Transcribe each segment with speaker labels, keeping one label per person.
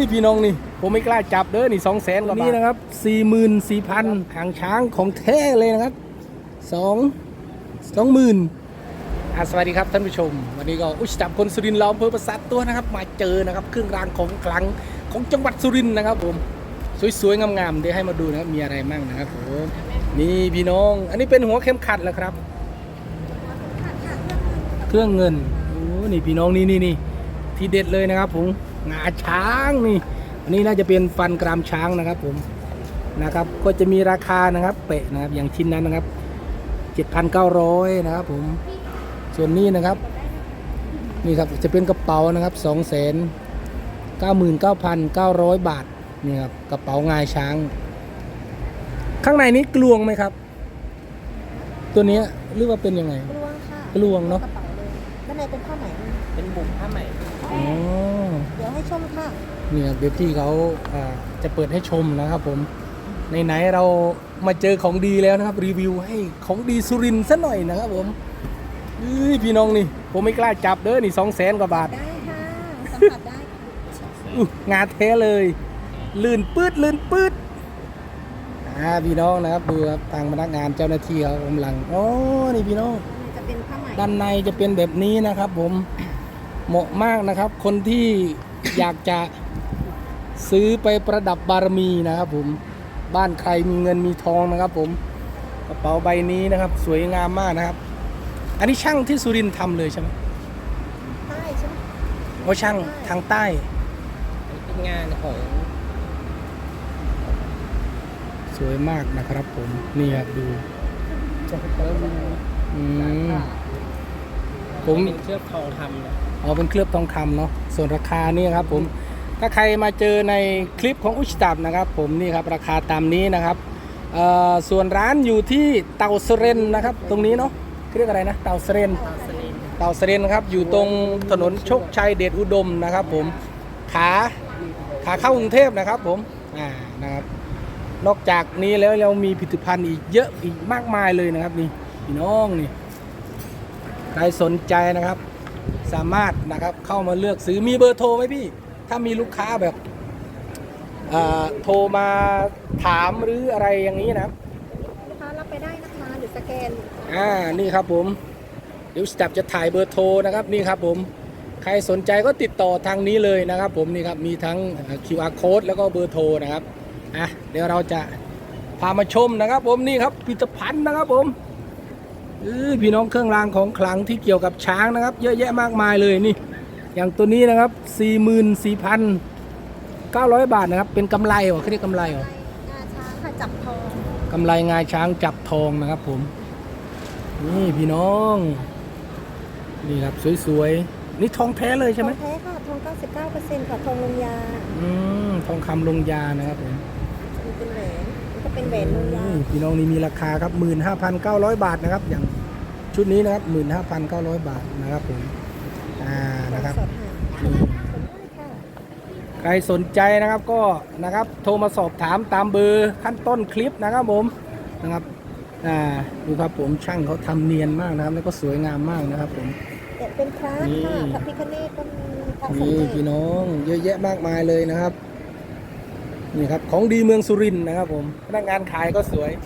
Speaker 1: พี่น้องนี่ผมไม่กล้าจับเด้อนี่200,000 กว่าบาทนี่นะครับ44,000หางช้างของแท้เลยนะครับ20,000สวัสดีครับท่านผู้ชมวันนี้ก็จับคนสุรินทร์เราอำเภอปราสาทตัวนะครับมาเจอนะครับเครื่องรางของขลังของจังหวัดสุรินทร์นะครับผมสวยๆงามๆเดี๋ยวให้มาดูนะครับมีอะไรมั่งนะครับผมนี่พี่น้องอันนี้เป็นหัวเข็มขัดเหรอครับเครื่องเงินโอ้นี่พี่น้องนี่ที่เด็ดเลยนะครับผมงาช้างนี่อันนี้น่าจะเป็นฟันกรามช้างนะครับผมนะครับก็จะมีราคานะครับเปะนะครับอย่างชิ้นนั้นนะครับ 7,900 นะครับผมส่วนนี้นะครับนี่ครับจะเป็นกระเป๋านะครับ 299,900 บาทนี่ครับกระเป๋างาช้างข้างในนี้กลวงไหมครับตัวนี้หรือว่าเป็นยังไง
Speaker 2: กลวงค่ะ
Speaker 1: กลวงเนาะ
Speaker 2: ด้านในเป็นผ้าไหม
Speaker 3: เป็นบุ๋มผ้าไหม
Speaker 1: อ๋อ
Speaker 2: เดี๋ยวให้ชมค่ะ
Speaker 1: นี่ครับเดี๋ยวพี่เขาจะเปิดให้ชมนะครับผมไหนๆเรามาเจอของดีแล้วนะครับรีวิวให้ของดีสุรินทร์ซะหน่อยนะครับผมพี่น้องนี่ผมไม่กล้าจับเด้อนี่200,000 กว่าบาท
Speaker 2: ได้ค่ะสัมผัสได้
Speaker 1: งาแท้เลยลื่นปื๊ดพี่น้องนะครับดูครับทางพนักงานเจ้าหน้าที่เขากำลังนี่พี่น้อง
Speaker 2: จะเป็นผ้าไหม
Speaker 1: ด้านในจะเป็นแบบนี้นะครับผมเหมาะมากนะครับคนที่อยากจะซื้อไปประดับบารมีนะครับผมบ้านใครมีเงินมีทองนะครับผมกระเป๋าใบนี้นะครับสวยงามมากนะครับอันนี้ช่างที่สุรินทร์ทำเลยใช่ไหม
Speaker 2: ใต้ใช่ไหม
Speaker 1: ว่าช่างทางใต้
Speaker 3: เป็นงานของ
Speaker 1: สวยมากนะครับผมนี่ครับดูผม
Speaker 3: เป็นเคลือบทองคำนะ
Speaker 1: เป็นเคลือบทองคำเนาะส่วนราคานี่ครับผมถ้าใครมาเจอในคลิปของอุชตับนะครับผมนี่ครับราคาตามนี้นะครับส่วนร้านอยู่ที่เตาเสเรนนะครับตรงนี้เนาะเรียกอะไรนะเตาเสเรนครับอยู่ตรงถนนโชคชัยเดชอุดมนะครับผมขาเข้ากรุงเทพนะครับผมนะครับนอกจากนี้แล้วเรามีผลิตภัณฑ์อีกเยอะอีกมากมายเลยนะครับนี่พี่น้องนี่ใครสนใจนะครับสามารถนะครับเข้ามาเลือกซื้อมีเบอร์โทรไหมพี่ถ้ามีลูกค้าแบบโทรมาถามหรืออะไรอย่างนี้นะครับ
Speaker 2: ลูกค้ารับไปได้นะคะหรือสแกน
Speaker 1: นี่ครับผมเดี๋ยวสตับจะถ่ายเบอร์โทรนะครับนี่ครับผมใครสนใจก็ติดต่อทางนี้เลยนะครับผมนี่ครับมีทั้ง QR code แล้วก็เบอร์โทรนะครับเดี๋ยวเราจะพามาชมนะครับผมนี่ครับผลิตภัณฑ์นะครับผมพี่น้องเครื่องรางของขลังที่เกี่ยวกับช้างนะครับเยอะแยะมากมายเลยนี่อย่างตัวนี้นะครับ 44,900 บาทนะครับเป็นกำไรเหรอเขาเรียกกำไรเหรอง
Speaker 2: าช้างค่ะจับทอง
Speaker 1: กำไรงาช้างจับทองนะครับผมนี่พี่น้องนี่ครับสวยๆนี่ทองแท้เลยใช่ไหม
Speaker 2: ทองแท้ค่ะทอง 99% ค่ะทองลงยา
Speaker 1: ทองคำลงยานะครับผม
Speaker 2: มันเป็นแหวนมันก็เป็นแหวนลงยา
Speaker 1: พี่น้องนี่มีราคาครับ 15,900 บาทนะครับอย่างชุดนี้นะครับ 15,900 บาทนะครับผมนะครับใครสนใจนะครับก็นะครับโทรมาสอบถามตามเบอร์ขั้นต้นคลิปนะครับผมนะครับดูครับผมช่างเขาทำเนียนมากนะครับแล้วก็สวยงามมากนะครับผม
Speaker 2: เป็นพระค่ะพระพิฆเนศก็มีพระสมเด็จ
Speaker 1: นี่พี่น้องเยอะแยะมากมายเลยนะครับนี่ครับของดีเมืองสุรินทร์นะครับผมพนักงานขายก็สวย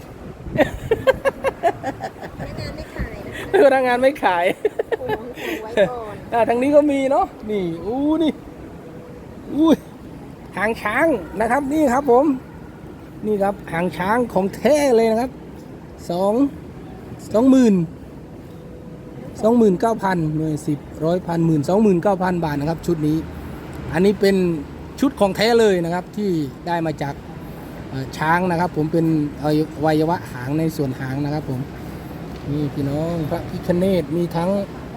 Speaker 2: พนักงานไม่ขาย
Speaker 1: พนักงานไม่ขาย
Speaker 2: ไว้ก่อน
Speaker 1: ทางนี้ก็มีเนาะนี่นี่หางช้างนะครับนี่ครับผมนี่ครับหางช้างของแท้เลยนะครับ29,000 หน่วย10 100 1,000 29,000 บาทนะครับชุดนี้อันนี้เป็นชุดของแท้เลยนะครับที่ได้มาจากช้างนะครับผมเป็นอวัยวะหางในส่วนหางนะครับผมนี่พี่น้องพระพิฆเนศมีทั้ง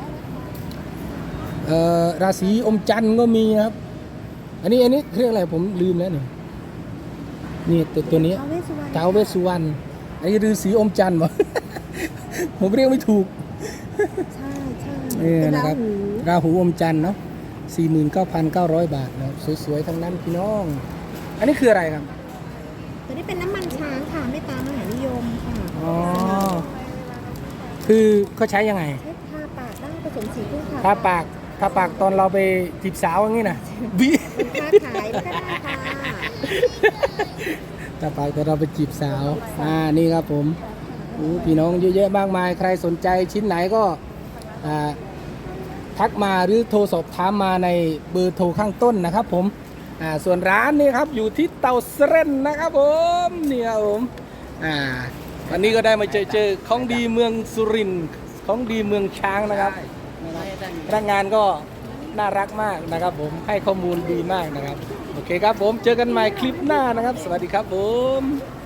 Speaker 1: ราศีอมจันทร์ก็มีนะครับอันนี้เรียกอะไรผมลืมแล้วนี่ตัวนี้ท้าวเวสสุวรรณอันนี้ฤาษีอมจันทร์วะ ผมเรียกไม่ถูก
Speaker 2: ใช่
Speaker 1: นะครับราหูอมจันทร์เนาะ 49,900 บาทนะครับสวยๆทั้งนั้นพี่น้องอันนี้คืออะไรครับ
Speaker 2: ตัวนี้เป็นน้ำมันช้างค่ะไม่ตามมหานิยมค่ะ
Speaker 1: คือเขาใช้ยังไง
Speaker 2: ใช้ทาปากได้ผสมสีพึ่งค่ะ
Speaker 1: ทาปากตอนเราไปจีบสาวอย่างนี้นะ
Speaker 2: คนค้าขายก็ได้ค่ะ
Speaker 1: ต่อไปแต่เราไปจีบสาวนี่ครับผมพี่น้องเยอะแยะมากมายใครสนใจชิ้นไหนก็ทักมาหรือโทรสอบถามมาในเบอร์โทรข้างต้นนะครับผมส่วนร้านนี่ครับอยู่ที่เตาเสร็นนะครับผมนี่ครับผมวันนี้ก็ได้มาเจอของดีเมืองสุรินทร์ของดีเมืองช้างนะครับพนักงานก็น่ารักมากนะครับผมให้ข้อมูลดีมากนะครับโอเคครับผมเจอกันใหม่คลิปหน้านะครับสวัสดีครับผม